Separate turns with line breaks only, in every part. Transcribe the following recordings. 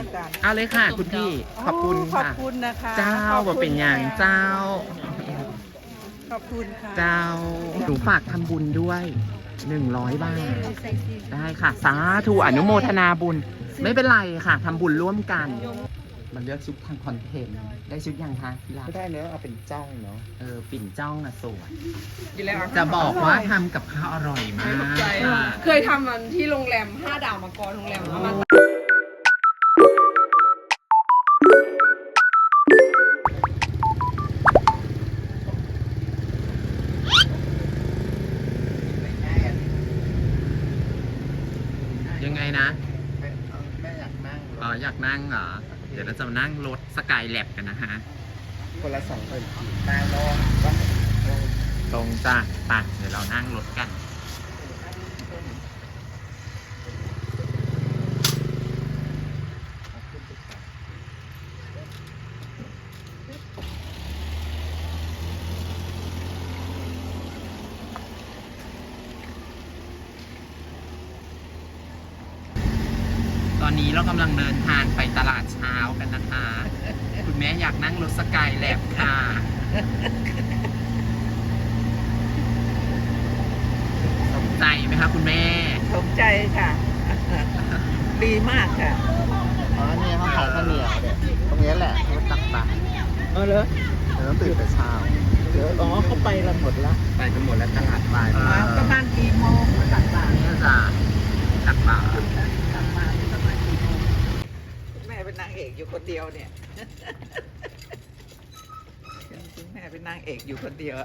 กัน
เอาเลยค่ะคุณพี่ขอบคุณ
ขอบ
ค่ะ
คุณนะคะ
เจ้า
ขอบ
ว่า
คุณ
เป็นอย่าง
ค่ะ
เจ้า
ขอบคุณค่ะ
เจ้าหนูฝากทำบุญด้วย100 บาท ได้ค่ะ สาธุอนุโมทนาบุญ ไม่เป็นไรค่ะทำบุญร่วมกัน มันเลือกชุดทางคอนเทนต์ ได้ชุดยังคะที่รัก
ไม่ได้เนื้อะเอาเป็นจ้องเนาะ
ปิ่นจ้องอะสวย
กินแล้ว
จะบอกว่าทำกับข้าวอร่อยมาก
เคยทำมันที่โรงแรม5 ดาวมาก่อนโรงแรมเอามา
ยังไงนะ
แม่อยากนั่ง
อ๋ออยากนั่งเหรอ เดี๋ยวเราจะนั่งรถสกายแลบกันนะฮะ
คนละ2,000ขีดนั่งลงก็
ตรงจ้าไปเดี๋ยวเรานั่งรถกัน ตอนนี้เรากำลังเดินทางไปตลาดเช้ากันนะคะ คุณแม่อยากนั่งรถสกายแลบค่ะ สนใจไหมคะคุณแม่
สมใจค่ะ ดีมากค่ะ
อ๋อเนี่ยเขาขายข้าวเหนียวเนี่ยตรงนี้แหละเขาตักบาตร
เหรอ
เราต้องตื่นแต่เช้า
เดี๋ยวอ๋อเขาไปกันหมดละ
ไปกันหมดแล้วตลาดบ่าย
มาประมาณกี่โมงตักบาตร
นี่จะตักบาตร
กลับมาประมาณกี่โมงคุณแม่เป็นนางเอกอยู่คนเดียวเนี่ยคุณแม่เป็นนางเอกอยู่คนเดียว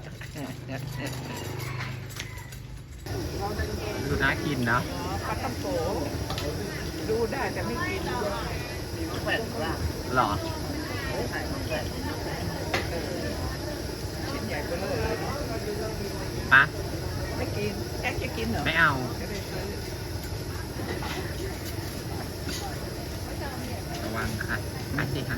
ดูน่ากินเนาะ
อ๋อปลาตัมโกดูได้แต่ไม่กิน
แผ่นละ
หรอ
ชิ้นใหญ่เบ้อเลย
ปะ
ไม่กินแค่จะกินเหรอ
ไม่เอา
ไม่ได้ซื้อ
ระวังค่ะอันนี้ค่ะ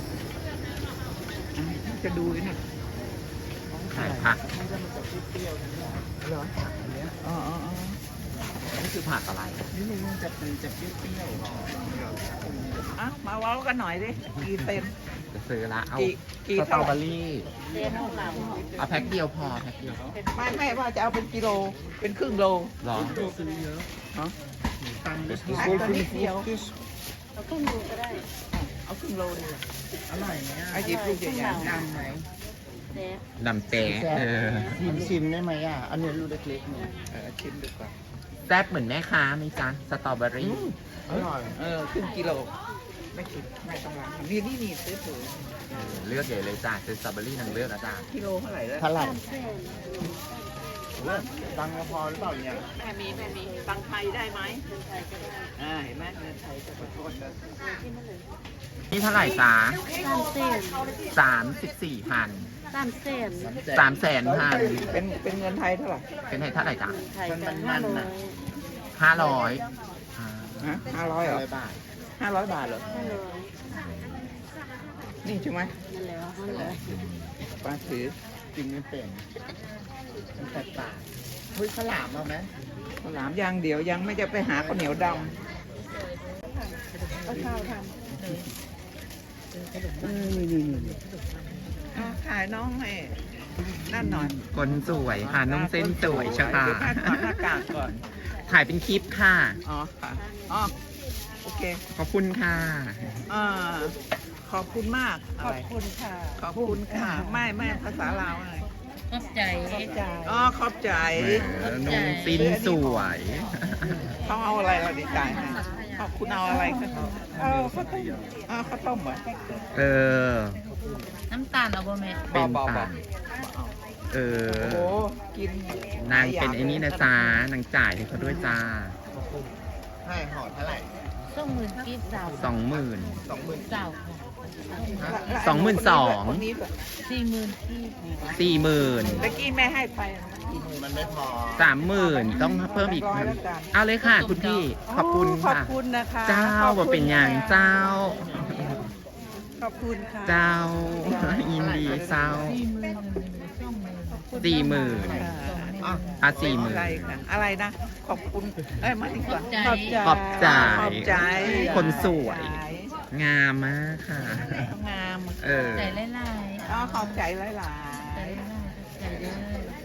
จะดูนี่
ขายผัก
เหรออ๋ออ๋ออ๋อ
นี่คือผักอะไร
นี่มันจะเป็นจะเปรี้ยวๆหรอ
อ่ะมาเว้ากันหน่อยดิกี่เซน
จะซื้อละ เอา
กี่
สตรอ
เท่า
เบอรี่ เอาแพ็คเดียวพอแพ็คเดียว
ไม่ว่าจะเอาเป็นกิโลเป็นครึ่งโล
หรอ
ซื้อเยอะ
เนาะ
ตามไป
อันตัวนิดเดียว
เอาครึ่งโลก็ได้
เอาครึ่งโลดีกว่า
อร่อยไหมอ่ะ
เอาหยิบลูกใหญ่ๆ
ดำไหม
แต่
ดำเต๊ะ
ชิมได้ไหมอ่ะอันนี้ลูกเล็กๆเนี่ย
ชิมดูก่อน
แซ่บเหมือนแม่ค้าไหมจ๊ะ สตรอเบอรี่
อร่อย
ครึ่งกิโลไม่กินไม่ต้องรังนี่ซื้อถือ
เลือกใหญ่เลยจ้ะซื้อสตรอเบอรี่นางเลือกอะจ้ะ
กิโลเท่าไหร่แล้ว
เท่าไหร่
3 เส้น
ดังพอหรือเปล่าเนี่ย
แม่มีตังไทยได้ไหม
เดินไทยก็ได้
เห็นไหมเงินไทยจะขอโทษนะ
ที่นั่นเลย
นี่เท่าไหร่จ๊ะ
3 เส้น
34,000
3 เส้น
300,000
เป็นเงินไทยเท่าไหร่
เป็นให้เท่าไหร่จ๊ะ
ไทยกัน500
500
ฮะ500เหรอ
100 บาท
500 บาทเหรอ
500
นี่ใช่ไหม
นั่นแหละ500
ป้าถือ
กินไม่เป็นมันแตกต่างเฮ้ยข้าวหลามเอาไหม
ข้าวหลามอย่างเดียวยังไม่จะไปหาข้าวเหนียวดำข้าวทำถ่ายน้องให้นั่นหน่อย
คนสวยค่ะน้องเส้นสวยใช่ค่ะ
เดี๋ยวถ่ายก่อนหน้ากากก่อน
ถ่ายเป็นคลิปค่ะ
อ๋อค่ะอ๋อโอเค
ขอบคุณค่ะ
อ่าขอบคุณมาก ขอบคุณค่ะ ขอบคุณค่ะ ไม่ภาษาลาวอะไร
ขอบใจ
อ๋อขอบใจ
น้องซินสวย
เขาเอาอะไรเราดีใจให้ขอบคุณเอาอะไรคะเอาข้าวต้มข้าวต้มเหรอ
เออ
น้ำตาลเอาบ่แม่
เป็นตาเอ
โอ้
อ
โหกิน
นางเป็นไอ้นี่นะจ๊ะ นางจ่ายให้เขาด้วยจ้า
ให้ห่อเท่าไหร่
20,000กีบสาว
20,000
20,000
สาว
22,000
คนนี้แบบ
40,000กีบ
40,000
ตะกี้แม่ให้ไป
มันไม่พอ
30,000 ต้องเพิ่มอีกเอาเลยค่ะคุณพี่ ขอบคุณ
ขอบ
ค่ะ
คุณนะคะ
เจ้าว่าเป็นอย่างเจ้า
ขอบคุณค่ะ
เจ้า ยินดีเจ้า 40,000 อ่ะ
อะไรค่ะอะไรนะ ขอบคุณ เอ้ยมาดีกว่า
ขอบใจ
ขอบใจ
ขอบใจ
คนสวย
ข
งามมากค่ะ
งาม
เออ
ใจไล่ไล่
อ๋อขอบใจหลาย
ใจไล่ไล่ใจเด้อ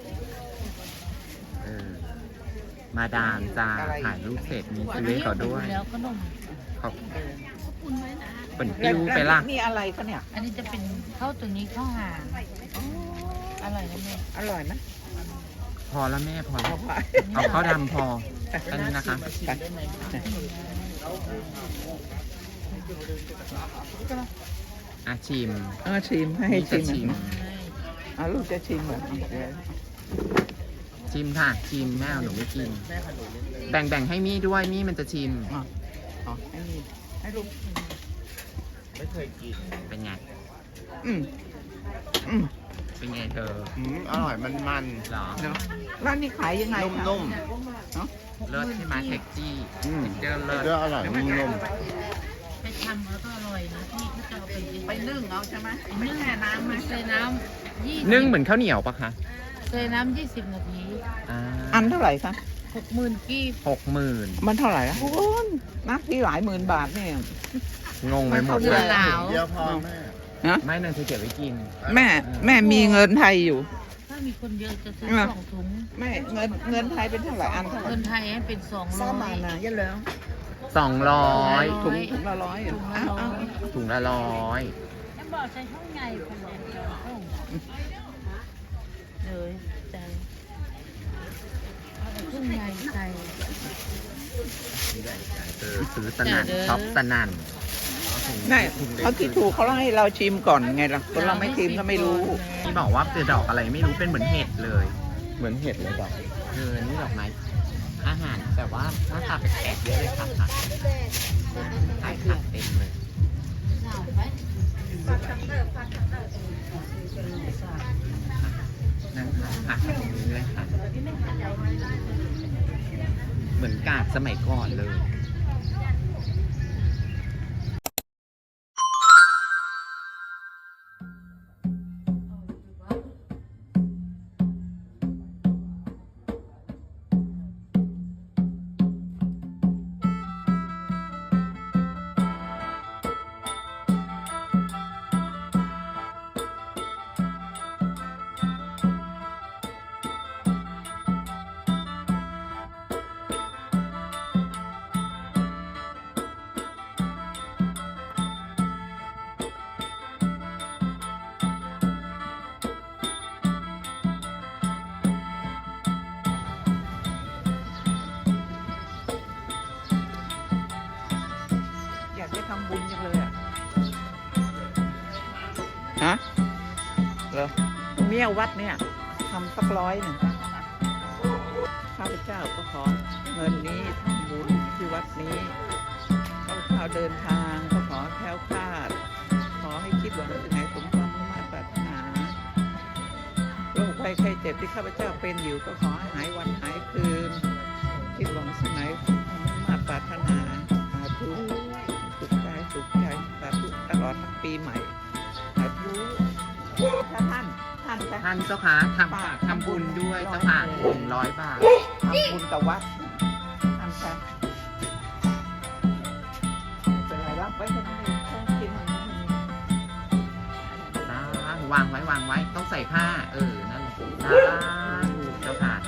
เออ มาดามจ้าถ่ายรูปเสร็จมีซื้อให้เขาด้วย
แล้วขนม
ขอบเป็นปิ้วไปละ
นี่อะไรคะเนี่ย
อันนี้จะเป็นข้าวตัวนี้ข้าวหางอร่อยนะแม่
อร่อยไหม
พอแล้วแม่พอแล้ว
เอาไป
เอาข้าวดำพออันนี้นะคะ อาชิม
ชิมให้ชิม
จะชิม
เอาลูกจะชิมเหรอ
ชิมค่ะ ชิมแม่เอาหนูไม่กิน แบ่งให้มี่ด้วยมี่มันจะชิม
อ๋อให้มีให้ลูก
ไม่เคยกิน
เป็นไง
อืมอืม
เป็นไงเธอ
อร่อยมัน
หรอ
เนาะร้านนี้ขายยังไงคะ
นุ่ม
เนาะ
เลิศใช่ไหมเท็กจี้
ๆ
เจอเลิศ
เรื่องอร่อยนุ่ม
ไปทำแล้วก็อร่อยนะพี่เขาจะเอาไป
นึ่งเอาใช่ไหม
ไปนึ่งน้ำไหมใส่น้ำ20
นึ่งเหมือนข้าวเหนียวปะคะ
ใส่น้ำ20 นาที
อันเท่าไหร่คะ
60,000กีบ
60,000
มันเท่าไหร่ละโอ้ยนักที่หลายหมื่นบาทเนี่ย
งงไปหมด
เดื
เล
อน
ย
ลาว
เดียวพอแม่
นะ
ไม่นั่นเธอเก็บไว้กิน
แม่มีเงินไทยอยู่
ถ้ามีคนเยอะจะซื้อ
อ่ะ
2 ถุง
แม่เงินไทยเป็นเท่าไหร่อันเท่าไหร่
เงินไทยให้เป็น200
เยอะแล้ว
200
ถุงละร้อยเหรอ
ถุงละ
อ้าว
100
ถุงละ100
ฉันบอกใช้ช่องใหญ่คนเดียวเลยใจเอาแต่ช่องใหญ่ใส่
ซื้อสนั่นช็อปสนั่น
แม่เขาที่ถูกเขาให้เราชิมก่อนไงล่ะคนเราไม่ชิมก็ไม่รู้
ที่บอกว่าเป็นดอกอะไรไม่รู้เป็นเหมือนเห็ดเลย
เหมือนเห็ดเลยดอก
นี่ดอกไม้อาหารแต่ว่าหน้าตาแปลกๆเยอะเลยค่ะผักขายผักเต็มเลย นั่งขายผักตรงนี้เลยค่ะ เหมือนกาดสมัยก่อนเลย
อยากไปทำบุญจังเลยอ่ะ ฮะเหรอเมี่ยวัดเนี่ยทำสัก100ข้าพเจ้าก็ขอเงินนี้ทำบุญที่วัดนี้ข้าพเจ้าเดินทางก็ขอแคล้วคลาด ขอให้คิดหวังสิ่งไหนสมความมุ่งมั่นปรารถนาโรคภัยไข้เจ็บที่ข้าพเจ้าเป็นอยู่ก็ขอให้หายวันหายคืน คิดหวังสิ่งไหนสมความมุ่งมั่นปรารถนาสาธุสุขใจสาธุตลอดทั้งปีใหม่สาธุถ้าท่านจะ
ท่านเจ้าค่ะทำฝากทำบุญด้วยเจ้าค่ะ100 บาท
ทำบุญกับวัดทำค่ะเป็นไรรับไว้แค่นี้ต้องกินของมัน
วางไว้ต้องใส่ผ้า นั่นแหละเจ้าค่ะ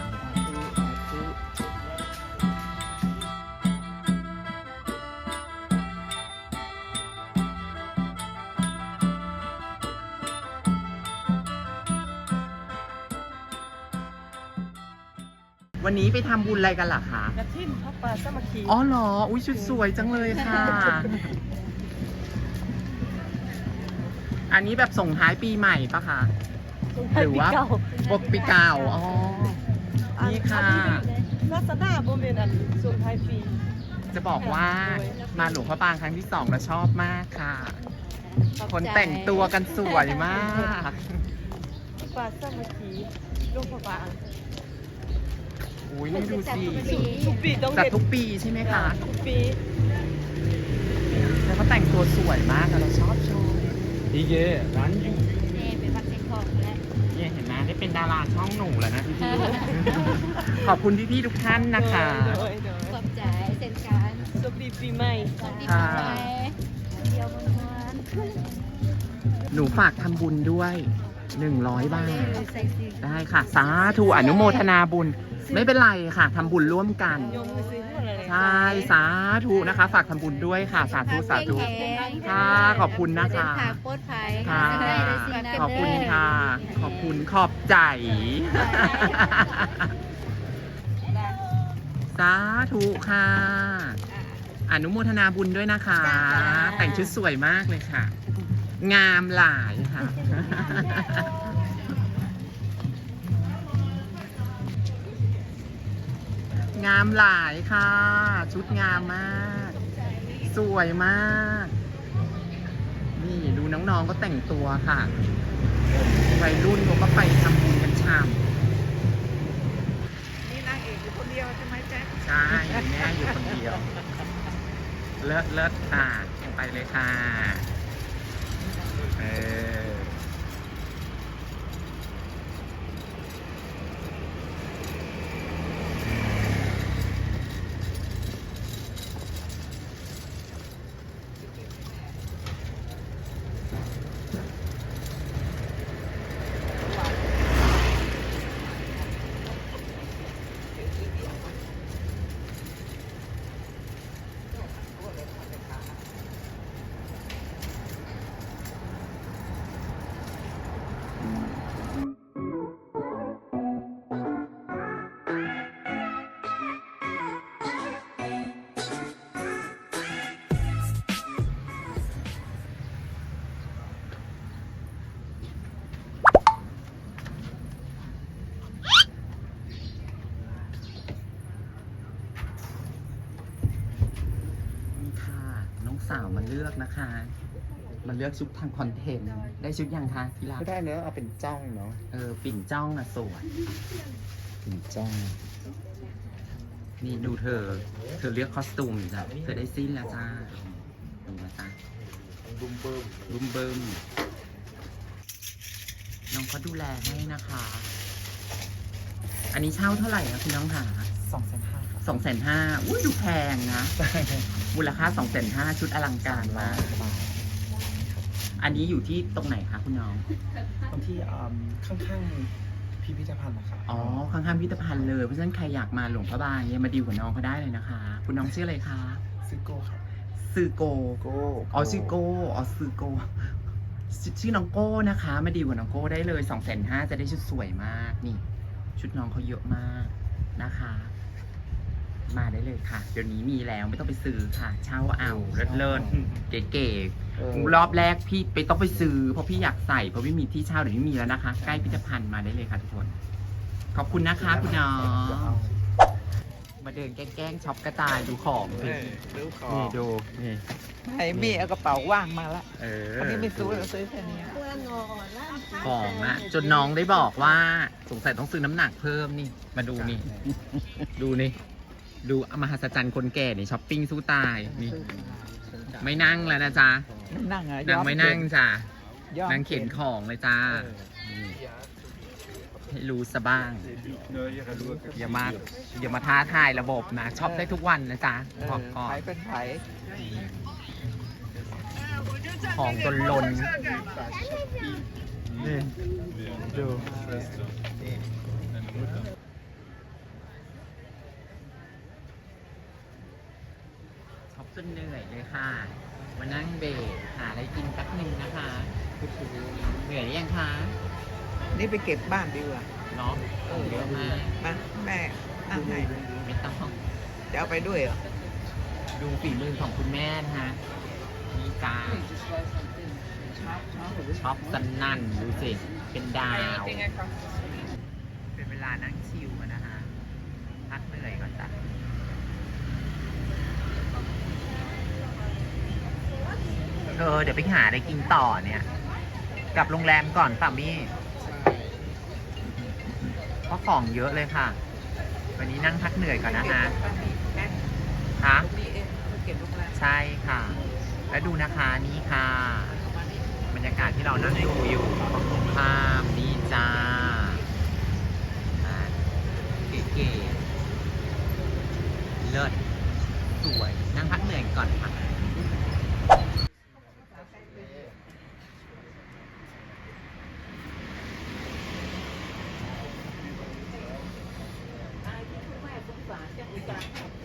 วันนี้ไปทำบุญอะไรกันล่ะคะ
กระทิ่มพระปลาสามัคคี
อ๋อเหรอ อุ้ยชุดสวยจังเลยค่ะ อันนี้แบบส่งท้ายปีใหม่ปะคะ หรือว่าปกปีเก่า อ๋อ นี่ค่ะ
ลาซาด้าโบเมนอันส่วนท้ายปี
จะบอกว่ามาหลวงพระบางครั้งที่ 2 แล้วชอบมากค่ะ คนแต่งตัวกันสวยมาก
ปลาสามัคคีลูกพระบาง
อุ้ยนี่ดูสิ
ทุกปีต้อง
จัด
เด็ด
ทุกปีใช่ไหมคะ
ทุกปี
แล้วก็แต่งตัวสวยมากอะเราชอบ
이게 란유
นี่เป็นวัดเซ็งทองแล้ว
เนี่ยเห็นไหมได้เป็นดาราช่องหนูแล้วนะพี่ๆ ขอบคุณพี่ๆทุกท่านนะคะ
โดย
ขอบใจเซ็นการ
สวัสดีปีใหม่
สวัสดี
ค่ะ
ปีใหม่
หนูฝากทำบุญด้วย100 บาท ได้ค่ะ สาธุอนุโมทนาบุญ ไม่เป็นไรค่ะทำบุญร่วมกัน ใช่ สาธุนะคะ ฝากทำบุญด้วยค่ะ สาธุสาธุค่ะขอบคุณนะคะ
โคตรภัย
ค่ะ ขอบคุณค่ะ ขอบคุณขอบใจ สาธุค่ะ อนุโมทนาบุญด้วยนะคะ แต่งชุดสวยมากเลยค่ะ งามหลายค่ะ งามหลายค่ะ ชุดงามมาก สวยมาก นี่ดูน้องๆก็แต่งตัวค่ะวัยรุ่นเขาก็ไปทำบุญกันชาม
นี่นางเอกอยู่คนเดียวใช่ไหมแจ๊ค
ใช่แม่อยู่คนเดียว เลิศเลิศค่ะ ไปเลยค่ะ เออ นี่ค่ะ น้องสาวมาเลือกนะคะ มาเลือกชุดทางคอนเทนต์ ได้ชุดยังคะที่รัก
ไม่ได้เนอะเอาเป็นจ้องเนาะ
ปิ่นจ้องอะสวย
เป็นจ้อง
นี่ดูเธอเลือกคอสตูมจ้ะเธอได้สิ้นแล้วจ้า ดูนะจ้า
บุ้มเบิ้ม
รุมเบิมน้องเขาดูแลให้นะคะ อันนี้เช่าเท่าไหร่นะคุณน้องหา
2,500 ครับ
250,000อุ้ยดูแพงนะ มูลค่า250,000ชุดอลังการมาก
บาท
อันนี้อยู่ที่ตรงไหนคะคุณน้อง
ตรงที่ข้างๆพิพิธภัณฑ์นะครับ
อ๋อ ข้างๆพิพิธภัณฑ์เลย เพราะฉะนั้นใครอยากมาหลวงพระบางเนี่ยมาดีลกับน้องเขาได้เลยนะคะ คุณน้องชื่ออะไรคะ
ซิโก้ครับ
ซือโก
โก้
อ๋อชื่อโก้อ๋อซือโกชื่อน้องโก้นะคะ มาดีลกับน้องโก้ได้เลย250,000จะได้ชุดสวยมากนี่ ชุดน้องเขาเยอะมากนะคะ มาได้เลยค่ะ เดี๋ยวนี้มีแล้วไม่ต้องไปซื้อค่ะ เช่าเอาเลิศๆเก๋ๆรอบแรกพี่ไปต้องไปซื้อเพราะพี่อยากใส่เพราะไม่มีที่เช่าเดี๋ยวนี้มีแล้วนะคะ ใกล้พิพิธภัณฑ์มาได้เลยค่ะทุกคน ขอบคุณนะคะคุณน้องมาเดินแกล้งช็อปกระจายดูของสิ
ดูขอ
นี่
ง
ดูนี่
ไอ้มี่เอากระเป๋าว่างมาละ
เออ
อันนี้ไม่ซื้อเราซื้อแค่นี้
ของอะจนน้องได้บอกว่าสงสัยต้องซื้อน้ำหนักเพิ่มนี่ มาดูนี่ ดูนี่ ดูมหัศจรรย์คนแก่นี่ช้อปปิ้งสู้ตายนี่ ไม่นั่งแล้วนะจ๊ะ
ไม่นั่งอ่ะ
นางไม่นั่งจ้ะ
ยอม
นางเข็นของเลยจ้านี่ให้รู้ซะบ้าง อย่ามาท้าทายระบบนะช็อปได้ทุกวันนะจ๊ะบอกก่อ
ไผ่
น
เป็นไผ่
ของจนล้นนี่ดูช็อปจนเหนื่อยเลยค่ะ มานั่งเบรกหาอะไรกินแป๊บนึงนะคะเหนื่อยหรือยังคะ
นี่ไปเก็บบ้านดีกว่า
เนาะเยอะมาก
มาแม่นั่งให้
ไม่ต้อง
จะเอาไปด้วยเหรอ
ดูฝีมือของคุณแม่นะฮะนี่จ้าช็อปสนั่นดูสิ เป็นดาว เป็นเวลานั่งชิลกันนะฮะ พักเหนื่อยก่อนจ้ะเดี๋ยวไปหาอะไรกินต่อเนี่ย กลับโรงแรมก่อนป่ะมี่เพราะของเยอะเลยค่ะ วันนี้นั่งพักเหนื่อยก่อนนะฮะคะ ใช่ค่ะ แล้วดูนะคะนี่ค่ะ บรรยากาศที่เรานั่งดูอยู่ภาพนี่จ้าเก๋ๆเลิศสวย นั่งพักเหนื่อยก่อนค่ะ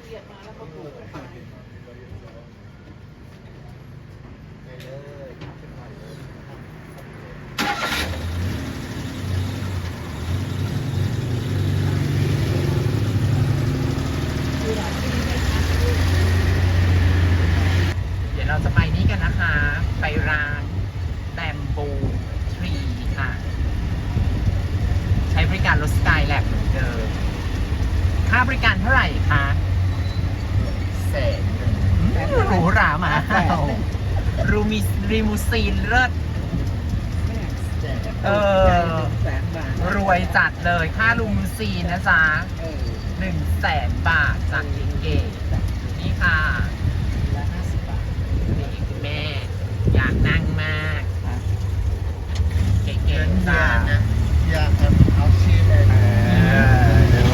เดี๋ยวเราจะไปนี่กันนะคะ ไปร้านแบมบูทรีค่ะ ใช้บริการรถสกายแลบเหมือนเดิม ค่าบริการเท่าไหร่คะ100,000หรูหรามารูมิรีมูซีนเลิศ
100,000 บาท
รวยจัดเลยค่ารูมูซีนนะจ๊ะ100,000 บาทจากเก๋ๆนี่ค่ะนี่คุณแม่ อยากนั่งมากเก๋ๆจ้า
อยากเอาชีพ
เดี๋ยว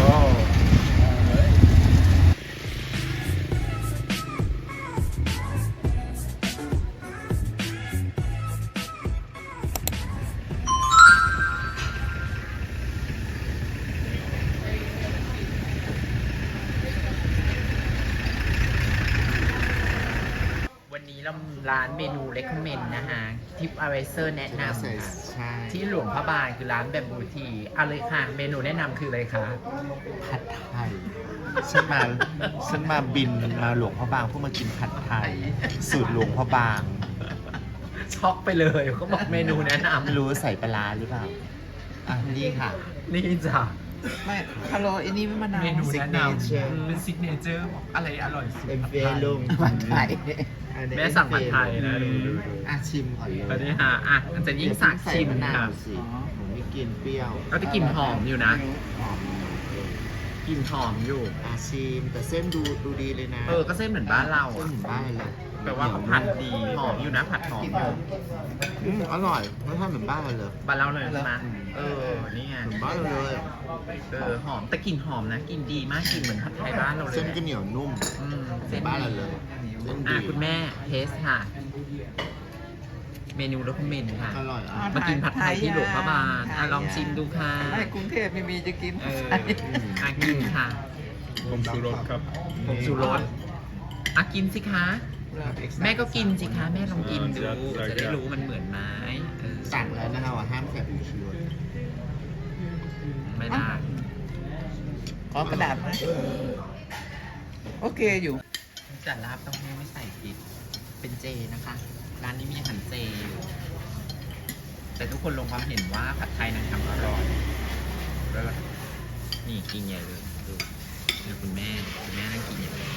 วันนี้เราร้านเมนู recommend นะฮะทิปอเวเซอร์แนะนำค่ะ
ใช่
ที่หลวงพระบางคือร้านแบมบูทีเอาเลยค่ะ เมนูแนะนำคืออะไรคะ
ผัดไทยฉันมาบินมาหลวงพระบางเพื่อมากินผัดไทย สูตรหลวงพระบาง
ช็อกไปเลยเขาบอกเมนูแนะน
ไม่รู้ใส่ปลาร้าหรือเปล่า อ่ะ นี่ค่ะ
ำนี่จ้ะ
ไม่ฮัลโหลอันนี้ไม่มะนาว
เมนูแนะนำ
Signature
เป็นซิกเนเจอร์อะไรอร่อยสุด
ผัดไทย
แม่สั่งผัดไทยนะดู
อ่ะชิมก่อนเลย
ตอนนี้ฮะอ่ะจะยิ่งสักชิม
มะนา
ค่ะ
วสิหนูไม่กินเปรี้ยว
ก็จะกลิ่นหอมอยู่นะ
หอม
กลิ่นหอมอยู่
อ่ะชิมแต่เส้นดูดีเลยนะ
ก็เส้นเหมือนบ้านเรา
เส้น
อ่ะ
เหมือนบ้านเลย
แปลว่าเขาผัดดีหอมอยู่นะผัดหอมอยู่
อร่อยรสชาติเหมือนบ้านเราเลย
บ้านเราเลยใช่ไหมนี่ไง
เหมือนบ้านเราเลย
หอมแต่กลิ่นหอมนะกลิ่นดีมากกลิ่นเหมือนผัดไทยบ้านเราเลย
เส้นก็เหนียวนุ่ม
เส้น
บ้านเราเลยเส้นดี
คุณแม่เทสค่ะ เมนูรสเมนค่ะ
อร่อยอ่ะ
มากินผัดไทยที่หลวงพระบางลองชิมดูค่ะ
ไม่กรุงเทพไม่มีจะกิน
กินค่ะ
ผมชูรสครับ
ผงชูรสกินสิคะ แม่ก็กินสิคะ แม่ลองกินดู จะได้รู้มันเหมือนไหม
สั่งแล้วนะคะว่าห้ามใส่ผงชูรส
ไม่ได้
ขอกระดาษมาโอเคอยู่
จัดลาบต้องให้ไม่ใส่พริกเป็นเจนะคะ ร้านนี้มีอาหารเจอยู่แต่ทุกคนลงความเห็นว่าผัดไทยนางทำอร่อยเลิศนี่กินใหญ่เลยดูนี่คุณแม่นั่งกินใหญ่เลย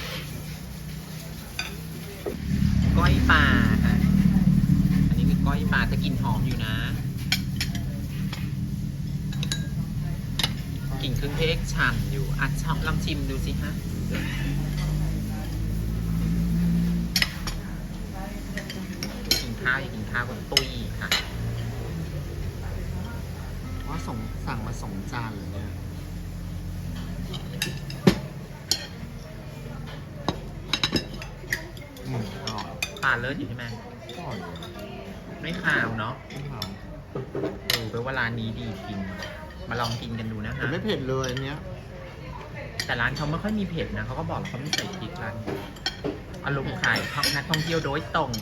ก้อยปลาค่ะอันนี้คือก้อยปลาแต่กลิ่นหอมอยู่นะกลิ่นเครื่องเทศฉ่ำอยู่ชอบลองชิมดูสิฮะกินข้าวอย่ากินข้าวกับตุ้ยค่ะ
ว่าสั่งมา2 จานเลยเนี่ยอร่อย
ปลาเลิศอยู่ใช่ไหม
อร่อย
ไม่ขาวเนาะ
ไม่ขาว
แปลว่าร้านนี้ดีจริง มาลองกินกันดูนะ
แต่
คะ
ไม่เผ็ดเลยอันเนี้ย
แต่ร้านเขาไม่ค่อยมีเผ็ดนะเขาก็บอกเขาไม่ใส่พริกร้านอารมณ์ขายนักท่องเที่ยวโดยตรง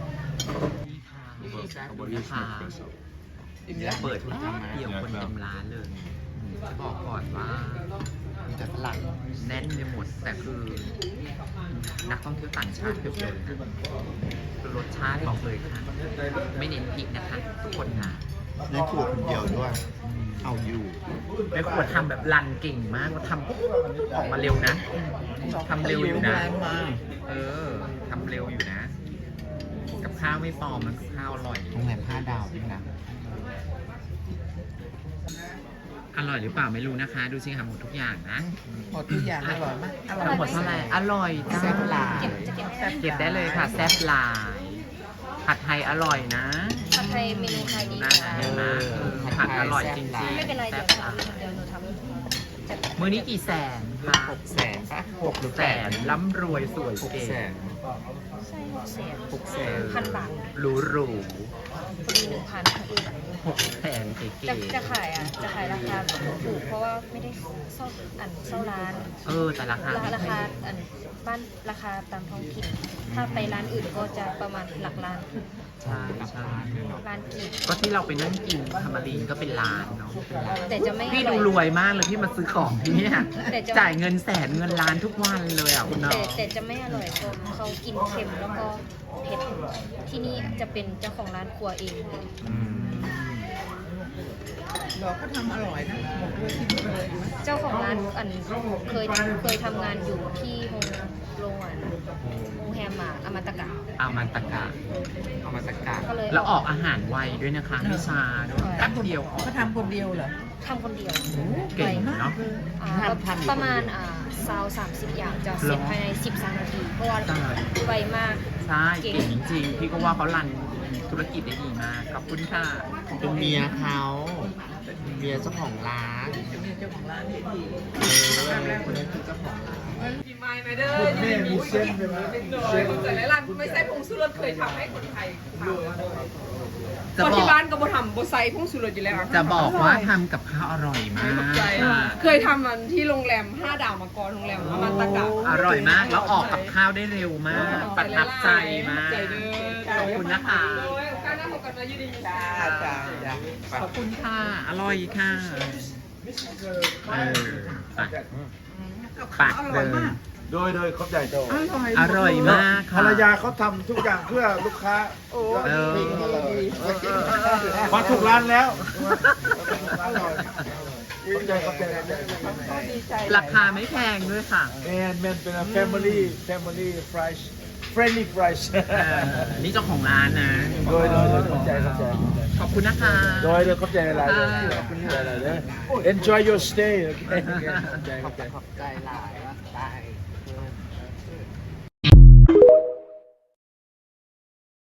นี่ค่ะเปิดร้านเดียวคนเต็มร้านเลยจะบอกก่อนว่า
มีแต่ฝรั่ง
แน่นไปหมดแต่คือ นักท่องเที่ยวต่างชาติเยอะเลยนะคือรสชาติบอกเลยค่ะ ไม่เน้นพริกนะคะทุกคนนะ
ในครัวคนเดียวด้วย เอาอยู่
แม่ครัวทำแบบรันเก่งมากว่าทำปุ๊บออกมาเร็วนะทำเร็วอยู่นะ ทำเร็วอยู่นะ กับข้าวไม่ปลอมนะกับข้าวอร่อย
โรงแรม5 ดาวด้วยนะ
อร่อยหรือเปล่าไม่รู้นะคะ ดูสิค่ะหมดทุกอย่างนะ
หมดทุกอย่างอร่อยมากอร่อย
ทั้งหมดเท่าไหร่อร่อยจ้า
แซ่บหลาย
เก็บได้เลยค่ะแซ่บหลายผัดไทยอร่อยนะ
ผัดไทยเมนูไทยดี
น่า
ค่ะ
เห็นไหมผัดอร่อยจริง
ไม่เป็นไร
ๆ
เดี๋
แซ่
ยว
บหลาย
เดี๋ยวหนูทำจัด
มื้อนี้กี่แสนคะ
600,000ป่ะ6 หรือ
แสนร่ำรวยสวย
8
เก๋
600,000
ใช่600,000
600,000
บาท
หรูหรู
พอดี1,000
600,000เก๋
จะขายราคาถูกเพราะว่าไม่ได้เช่าร้าน
แต่ราคา
ราคาบ้านราคาตามท้องถิ่นถ้าไปร้านอื่นก็จะประมาณหลักล้าน
ใช่ใช่
ร้านกิน
ก็ที่เราไปนั่งกินทามารีนก็เป็นร้านเนาะ
แต่จะไม่
พี่
อ
ดู
อย
รวยมากเลยพี่มาซื้อของที่เนี่ย
แต่จะ
จ่ายเงินแสนเงินล้านทุกวันเลยอ่ะคุณน้อง
แต่จะไม่อร่อยเพราะเขากินเค็มแล้วก็เผ็ดที่นี่จะเป็นเจ้าของร้านครัวเอง
อืม
เราก็ทำอร่อยนะบอกเลยที่นี่เลยไหม
เจ้าของร้านเคยทำงานอยู่ที่โรงแรมอมตะกะ
เอามันตะกะ
ก็เลย
แล้วออกอาหารไวด้วยนะคะไม่ช้าด้วยแป๊บเดียวออก
เขาทำคนเดียวเหรอ
ทำคนเดียว
เก่งเนาะ
ประมาณ30 อย่างจะเสร็จภายใน13 นาที เพราะว่า
ใช่
ไวมาก
ใช่เก่งจริงๆพี่ก็ว่าเขารันธุรกิจได้ดีมากขอบคุณค่ะ
เป็นเมียเขาเมียเจ้าของร้าน
เจ้าของร้านที่ดี
คนนี้คือเจ้าของร้าน
มีไม้ไหมเด้อคุณแม่มีเส้นไปไหมคนใส่ร้านไม่ใส่ผงชูรสเคยทำให้คนไทยทำ
จะ
คน
บอ
ที่
ก
บ้านก็บ่ทำบ่ใส่ผงชูรสอยู่แล้ว
จะบอกว่าทำกับข้าวอร่อยมาก
เคยทำมันที่โรงแรม5 ดาวมาก่อนโรงแรมอมันตะกะ
อร่อยมากแล้วออกกับข้าวได้เร็วมาก ประทับใจมาก
ใจเด้อ
ขอบคุณนะคะ
การนั่งกันมายืนดี
ขอบคุณค่ะ อร่อยค่ะปากเลย
โดยเขาใหญ่โต
อร่อยมาก
ภร
ค่ะ
รยาเขาทำทุกอย่างเพื่อลูกค้า
เออ
มาถูกร้านแล้วอร่อยขอบใจ
ราคาไม่แพงด้วยค่ะ
แมนเป็น family fries friendly fries
นี่เจ้าของร้านนะ
โดยขอบใจ
ขอบคุณนะคะ
โดยขอบใจอะไรขอบคุณอะไรเลย enjoy your stay โอเคขอบใจ
ใจหลายว่าตาย